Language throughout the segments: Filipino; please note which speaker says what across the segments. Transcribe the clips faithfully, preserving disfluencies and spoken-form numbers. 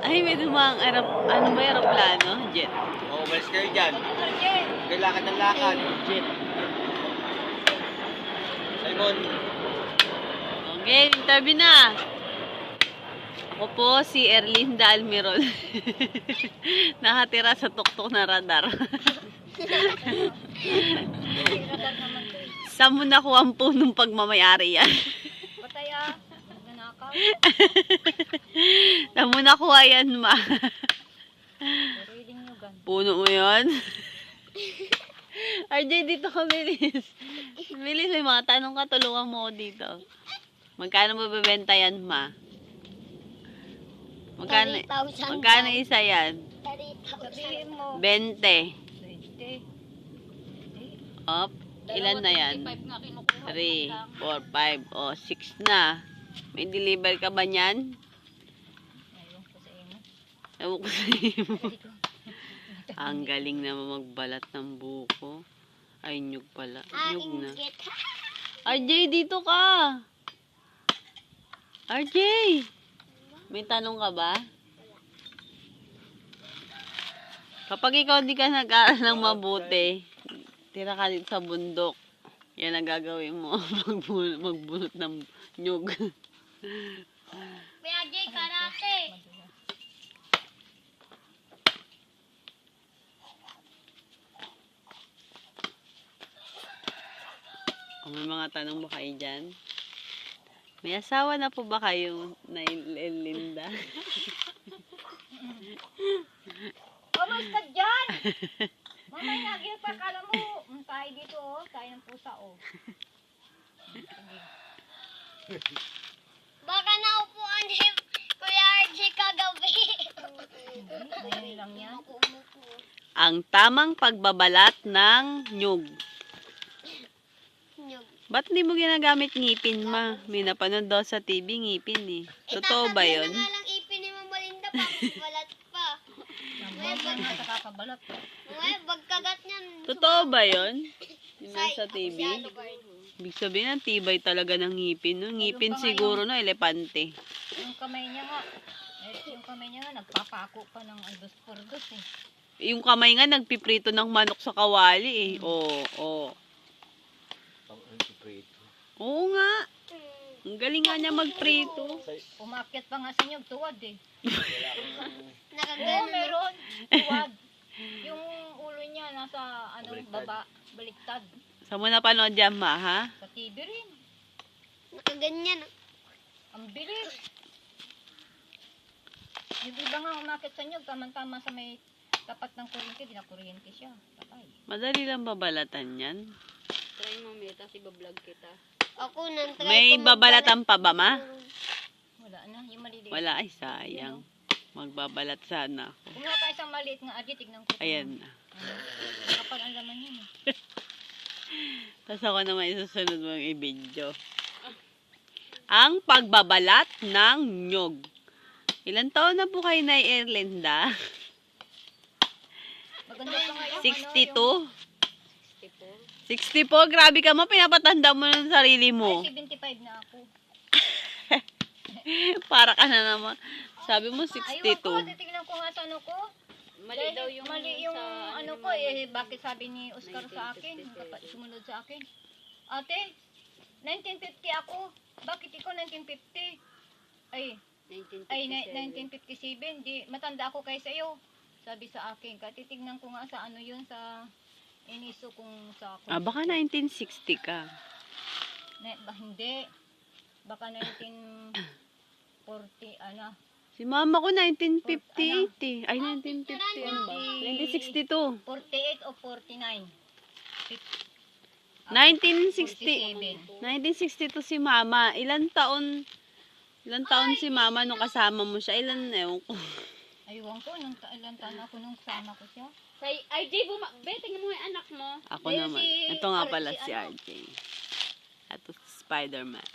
Speaker 1: Ay, may dumang aerop... Ano ba aeroplano? Jet.
Speaker 2: Oo, umalis kayo dyan. Kailangan ng lakad.
Speaker 1: Jet.
Speaker 2: Simon.
Speaker 1: Okay, interview na. Ako po si Erlinda Almirol. Nakatira sa tuktok na radar. Saan mo nakuha ang punong pagmamayari yan?
Speaker 3: Patay ah. Nanakaw.
Speaker 1: Saan mo nakuha yan, ma?
Speaker 3: Reading nyo gan.
Speaker 1: Puno mo yun? R J, dito ka, bilis. Bilis, may mga tanong ka, tulungan mo ako dito. Magkano mo bebenta yan, ma? Magkano, magkano isa yan?
Speaker 3: Sabihin mo.
Speaker 1: twenty.
Speaker 3: twenty.
Speaker 1: Op, ilan na yan? three, four, five, o, six na. May deliver ka ba niyan?
Speaker 3: Ayun ko sa imo.
Speaker 1: Ewan ko sa iyo. Ang galing naman magbalat ng buko. Ay, nyug pala. Nyug na. R J, dito ka! R J! May tanong ka ba? Kapag ikaw di ka nag-aaral ng mabuti, tira ka dito sa bundok. Yan ang gagawin mo. Magbunot, magbunot ng nyug.
Speaker 4: Kuya Jay, karate.
Speaker 1: O, may mga tanong ba kayo dyan? May asawa na po ba kayo na Linda?
Speaker 3: Almost ka dyan! Mamay nagil pa, kala mo. Um, tayo dito oh. Tayo ng pusa oh.
Speaker 4: Baka naupuan ni Kuya R J kagabi.
Speaker 3: Ngayon lang yan.
Speaker 1: Ang tamang pagbabalat ng nyug.
Speaker 4: Nyug.
Speaker 1: Ba't hindi mo ginagamit ngipin, ma? May napanood daw sa T V, ngipin eh. Totoo ba yun?
Speaker 4: Itatagyan na nga lang ipin ni Mama Linda pa. Balat pa.
Speaker 3: Nambang na sa kakabalat.
Speaker 4: Ngayon, bagkagat niyan.
Speaker 1: Totoo ba yun? Yung
Speaker 4: Say,
Speaker 1: nasa T V?
Speaker 4: Masyado ba yun?
Speaker 1: Ibig sabihin, ang tibay talaga ng ngipin. No? Ngipin siguro, no? Elepante.
Speaker 3: Yung kamay niya nga. Eh, yung kamay niya nga, nagpapako pa ng andos por dos eh.
Speaker 1: Yung kamay nga, nagpiprito ng manok sa kawali eh. Oo, oo. Oo nga. Ang galing nga niya magprito.
Speaker 3: Umakyat pa nga sa inyo, tuwad eh. Oo,
Speaker 4: Nakagano.
Speaker 3: meron. Tuwad. Yung ulo niya nasa ano, baba, baliktad.
Speaker 1: Saan mo napanood yan, ma, ha?
Speaker 3: Sa T V rin.
Speaker 4: Nakaganyan.
Speaker 3: Ang bilis. Yung iba nga umakyat sa inyo, tama-tama sa may tapat ng kuryente, di na kuryente siya. Patay.
Speaker 1: Madali lang babalatan yan.
Speaker 3: Try mo, Meta, si bablog kita.
Speaker 4: Ako nang try
Speaker 1: May
Speaker 4: ko magbalat.
Speaker 1: babalatan pa ba, ma?
Speaker 3: Wala na, yung maliliit.
Speaker 1: Wala, ay sayang. Magbabalat sana ako.
Speaker 3: Kumuha ka isang maliit nga adyo, tignan ko.
Speaker 1: Ayan na.
Speaker 3: Ano, kapal ang laman yun eh.
Speaker 1: Tapos ako naman isusunod mo yung i-video. Ang pagbabalat ng nyog. Ilan taon na po kayo na Erlinda?
Speaker 3: Maganda pa nga yung
Speaker 1: sixty-two?
Speaker 3: ano, yung
Speaker 1: sixty-four? Grabe ka mo, pinapatanda mo ng sarili mo.
Speaker 3: Ay, seventy-five na ako.
Speaker 1: Para ka na naman. Sabi mo
Speaker 3: Ayun
Speaker 1: sixty-two.
Speaker 3: ko, titignan ko nga sa ano ko. Mali daw yung, mali yung ano ko eh, bakit sabi ni Oscar sa akin, dapat sumunod sa akin. Ate, nineteen fifty ako, bakit ikaw nineteen fifty? Ay, ay ni- nineteen fifty-seven, di, matanda ako kaysa iyo. Sabi sa akin, katitignan ko nga sa ano yun, sa iniso kung sa
Speaker 1: Ah, baka nineteen sixty ka.
Speaker 3: Na, ba, hindi. Baka nineteen forty, ano.
Speaker 1: Si mama ko nineteen fifty-eight eh. Ay, nineteen fifty, ano ba? nineteen sixty-two.
Speaker 3: forty-eight o forty-nine?
Speaker 1: nineteen sixty.
Speaker 3: forty-seven.
Speaker 1: nineteen sixty-two si mama. Ilan taon, ilan taon si mama nung kasama mo siya? Ilan, ewan ko.
Speaker 3: Aywan ko, nung ta- ilang taon ako nung sama ko siya.
Speaker 5: Say, R J, buma... Be, tingnan mo yung anak mo.
Speaker 1: Ako
Speaker 3: Ayun,
Speaker 1: naman.
Speaker 3: si
Speaker 1: Ito nga
Speaker 3: R-
Speaker 1: pala
Speaker 3: si
Speaker 1: si
Speaker 3: ano?
Speaker 1: R J. Ito si Spider-Man.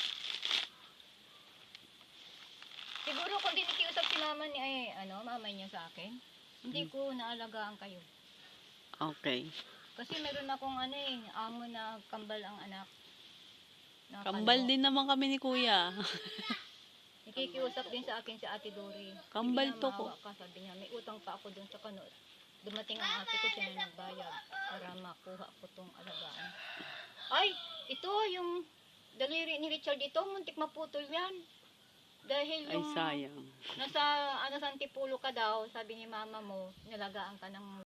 Speaker 3: Siguro kung di nakiusap si mama ni, ay, ano, mama niya sa akin, hindi ko naalagaan kayo.
Speaker 1: Okay.
Speaker 3: Kasi meron akong ano eh, amo na kambal ang anak. Na
Speaker 1: Kambal
Speaker 3: kalbo.
Speaker 1: din naman kami ni kuya.
Speaker 3: Nakikiusap din sa akin si Ate Dory.
Speaker 1: Kambal
Speaker 3: Sige
Speaker 1: to
Speaker 3: na,
Speaker 1: ko.
Speaker 3: maawa ka, sabi niya. May utang pa ako dun sa kano. Dumating ang ate ko, siya na nagbayad para makuha ko tong alagaan. Ay, ito yung daliri ni Richard ito, muntik maputol yan. Dahil
Speaker 1: Ay,
Speaker 3: yung
Speaker 1: sayang.
Speaker 3: nasa ano sa Antipulo ka daw, sabi ni mama mo, nilagaan ka ng